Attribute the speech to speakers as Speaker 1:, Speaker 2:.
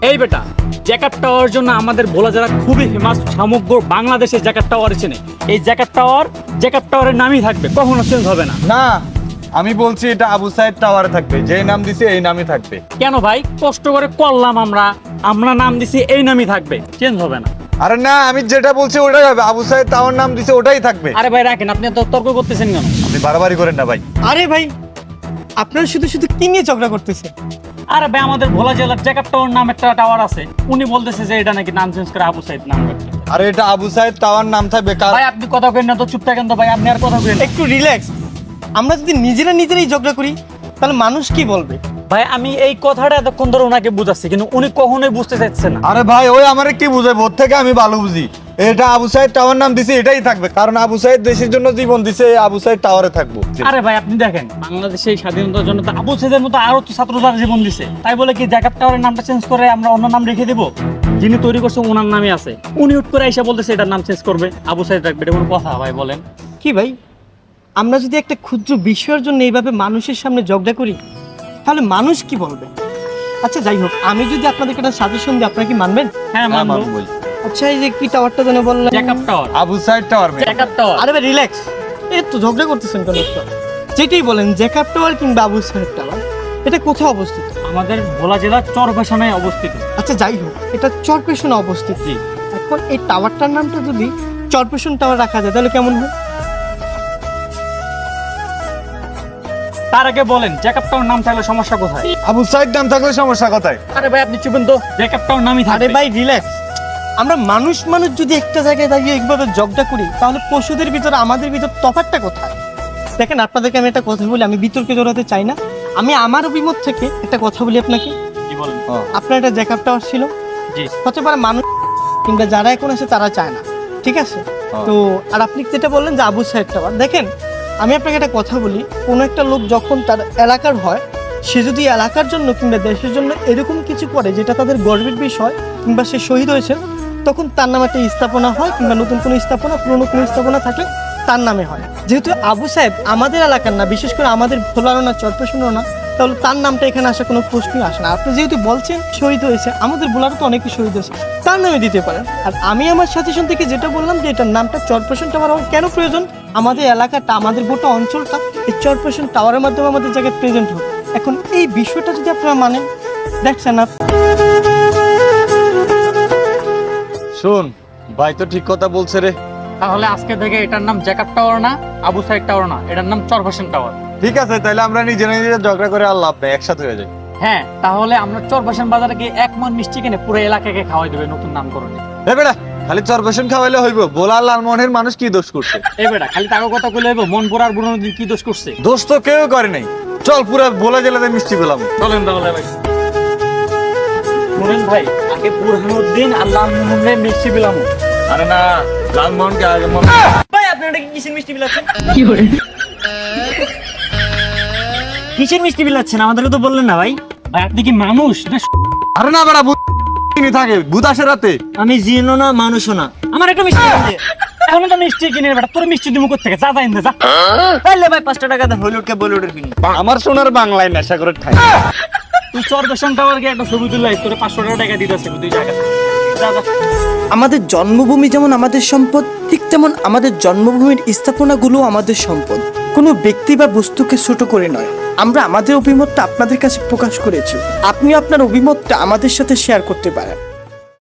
Speaker 1: এই বেটা, jacquard tower জন্য আমাদের ভোলা জেলা খুবই ফেমাস, সমগ্র বাংলাদেশে জ্যাকার্ড টাওয়ার চেনে। এই জ্যাকার্ড টাওয়ারের নামই থাকবে, কখনো চেঞ্জ হবে না।
Speaker 2: না, আমি বলছি এটা আবু সাইদ টাওয়ারে থাকবে, যেই নাম দিছে এই নামই থাকবে।
Speaker 1: কেন ভাই, কষ্ট করে করলাম, আমরা নাম দিছি, এই নামই থাকবে, চেঞ্জ হবে না।
Speaker 2: আরে না, আমি যেটা বলছি ওটাই হবে, আবু সাইদ টাওয়ার নাম দিছে ওটাই থাকবে।
Speaker 1: আরে ভাই রাখেন, আপনি তো তর্ক করতেছেন কেন?
Speaker 2: আপনি বাড়াবাড়ি করেন না ভাই।
Speaker 3: আরে ভাই, আপনারা শুধু শুধু কি নিয়ে ঝগড়া করতেছেন?
Speaker 1: আরে ভাই, আমাদের ভোলা জেলার জ্যাকার্ড টাওয়ার নাম একটা টাওয়ার আছে, উনি বলতেছে যে এটা নাকি নাম চেঞ্জ করে আবু সাইদ নাম রাখতে।
Speaker 2: আরে এটা আবু সাইদ টাওয়ার নাম থাকবে।
Speaker 1: ভাই আপনি কথা কইেন না তো, চুপ থাকেন তো ভাই, আপনি আর কথা কইেন না।
Speaker 3: একটু রিল্যাক্স। আমরা যদি নিজেরাই ঝগড়া করি তাহলে মানুষ কি বলবে?
Speaker 1: ভাই আমি এই কথাটা এতক্ষণ ধরে ওনাকে বুঝাচ্ছি, কিন্তু উনি কখনোই বুঝতে চাইছে না।
Speaker 2: আরে ভাই, ওই আমারে কি বুঝায়, ওর থেকে আমি ভালো বুঝি। এটা আবু সাইদ টাওয়ার নাম দিছে এটাই থাকবে, কারণ আবু সাইদ দেশের জন্য জীবন দিছে, এই আবু সাইদ টাওয়ারে থাকবো।
Speaker 1: আরে ভাই আপনি দেখেন, বাংলাদেশে এই স্বাধীনতার জন্য তো আবু সাইদের মতো আরো তো ছাত্ররা জীবন দিছে, তাই বলে কি জ্যাকার্ড টাওয়ারের নামটা চেঞ্জ করে আমরা অন্য নাম রেখে দেব? যিনি তৈরি করছে ওনার নামই আছে, উনি উঠ করে এসে বলতেছে এটার নাম চেঞ্জ করবে, আবু সাইদ রাখবে, এটা কোনো কথা ভাই বলেন?
Speaker 3: কি ভাই, আমরা যদি একটা ক্ষুদ্র বিষয়ের জন্য এইভাবে মানুষের সামনে ঝগড়া করি তাহলে মানুষ কি বলবে? আচ্ছা যাই হোক, আমি যদি আপনাদেরকে একটা সাজেশন দিই, আপনারা কি মানবেন?
Speaker 1: হ্যাঁ মানবো।
Speaker 2: মানবোই।
Speaker 3: আচ্ছা, এই যে কি টাওয়ারটা যেন বললেন?
Speaker 1: Jacquard tower.
Speaker 2: Abu Sayeed tower ভাই।
Speaker 1: Jacquard tower.
Speaker 3: আরে ভাই রিল্যাক্স, এই তো ঝগড়া করতেছেন কেন? যেটাই বলেন, জ্যাকার্ড টাওয়ার কিংবা আবু সাইদ টাওয়ার, এটা কোথায় অবস্থিত?
Speaker 1: আমাদের ভোলা জেলার চরভাসানায় অবস্থিত।
Speaker 3: আচ্ছা যাই হোক, এটা চরপেশনে অবস্থিত।
Speaker 1: জি।
Speaker 3: এখন এই টাওয়ারটার নামটা যদি চরপেশন টাওয়ার রাখা যায় তাহলে কেমন হয়?
Speaker 1: তার আগে বলেন জ্যাকার্ড টাওয়ার নাম থাকলে সমস্যা কোথায়?
Speaker 2: আবু সাইদ নাম থাকলে সমস্যা কোথায়?
Speaker 1: আরে ভাই আপনি চুপেন তো, জ্যাকার্ড টাওয়ার নামই
Speaker 3: আরে
Speaker 1: থাকবে।
Speaker 3: ভাই রিল্যাক্স। আমরা মানুষ যদি একটা জায়গায় দাঁড়িয়ে এইভাবে ঝগড়া করি তাহলে পশুদের ভিতরে আমাদের ভিতর তফাৎটা কোথায়? দেখেন, আপনাদেরকে আমি একটা কথা বলি, আমি বিতর্কে জড়াতে চাই না, আমি আমার অভিমত থেকে একটা কথা বলি আপনাকে।
Speaker 1: কি বলেন?
Speaker 3: আপনার একটা জ্যাকার্ড টাওয়ার ছিল,
Speaker 1: জি।
Speaker 3: হতে পারে মানুষ কিংবা যারা এখন আছে তারা চায় না, ঠিক আছে? তো আর আপনি যেটা বললেন যে আবু সাইদ টাওয়ার, দেখেন আমি আপনাকে একটা কথা বলি, কোনো একটা লোক যখন তার এলাকার হয়, সে যদি এলাকার জন্য কিংবা দেশের জন্য এরকম কিছু করে যেটা তাদের গর্বের বিষয়, কিংবা সে শহীদ হয়েছে, তখন তার নামে একটা স্থাপনা হয়, কিংবা নতুন কোনো স্থাপনা, পুরনো কোনো স্থাপনা থাকলে তার নামে হয়। যেহেতু আবু সাহেব আমাদের এলাকার না, বিশেষ করে আমাদের ভোলারও না, চরপেশনেরও না, তাহলে তার নামটা এখানে আসা কোনো প্রশ্নই আসে না। আপনি যেহেতু বলছেন শহীদ হয়েছে, আমাদের ভোলারও তো অনেকে শহীদ হয়েছে, তার নামে দিতে পারেন। আর আমি আমার সাজেশন থেকে যেটা বললাম যে এটার নামটা চরপেশন টাওয়ার হওয়ার কেন প্রয়োজন, আমাদের এলাকাটা, আমাদের গোটা অঞ্চলটা এই চরপেশন টাওয়ারের মাধ্যমে আমাদের জায়গায় প্রেজেন্ট হবে। এখন এই বিষয়টা যদি আপনারা মানেন, দেখছেন না?
Speaker 2: শুন ভাই, তো ঠিক কথা বলছে রে।
Speaker 1: তাহলে আজকে থেকে এটার নাম জ্যাকার্ড টাওয়ার না, আবু সাইদ টাওয়ার না, এটার নাম চরভাসান টাওয়ার।
Speaker 2: ঠিক আছে, তাহলে আমরা নিজেরা ঝগড়া করে আর লাভ নেই, একসাথে হয়ে যাই।
Speaker 1: হ্যাঁ, তাহলে আমরা চরভাসান বাজারে গিয়ে 1 মণ মিষ্টি কিনে পুরো এলাকাকে খাওয়াই দেবে নতুন নামকরণে।
Speaker 2: এ বেটা, খালি চরপেশন খাওয়াইলে হইব? বোলা লালমোহনের মানুষ কি দোষ করছে?
Speaker 1: এই বেটা, খালি তাকে কথা কইলে হইব? মন পোড়ার বুড়ো নদী কি দোষ করছে?
Speaker 2: দোষ তো কেউ করে নাই। চল পুরা ভোলা জেলাতে মিষ্টি পেলাম।
Speaker 1: চলেন তাহলে ভাই। শুনেন ভাই, আগে বুরহানুদ্দিন আর লালমোহনের মিষ্টি পেলাম।
Speaker 2: আরে না, লালমোহনকে আগে
Speaker 3: ভাই আপনি এটা কিসের মিষ্টি বিলাচ্ছেন?
Speaker 1: কিসের মিষ্টি বিলাচ্ছেন? আমাদেরকে তো বললেন না ভাই। ভাই আপনি কি মানুষ না?
Speaker 2: আরে না বেটা, ভূত থাকে, ভূত আসে রাতে।
Speaker 3: আমি জিনো না, মানুষও না।
Speaker 1: আমার একটু মিষ্টি কিনে দে। এখন তো মিষ্টি কিনে বেটা, তোর মিষ্টি দিমু কোথা থেকে? যা যা ইন্দে যা।
Speaker 3: তাহলে ভাই 5 টাকা দেন, হলিউডকে বলিউডের কিনি।
Speaker 2: আমার সোনার বাংলায় নেশা করে ঠাই।
Speaker 1: তুই চরভাসান টাওয়ার গিয়ে একটা ছবি তুললাই, তোর 500 টাকা দিতেছে তুই জায়গা। যা যা।
Speaker 4: আমাদের জন্মভূমি যেমন আমাদের সম্পদ, ঠিক তেমন আমাদের জন্মভূমির স্থাপনাগুলো আমাদের সম্পদ। কোনো ব্যক্তি বা বস্তুকে ছোট করে নয়। আমরা আমাদের অভিমতটা আপনাদের কাছে প্রকাশ করেছি, আপনি আপনার অভিমতটা আমাদের সাথে শেয়ার করতে পারেন।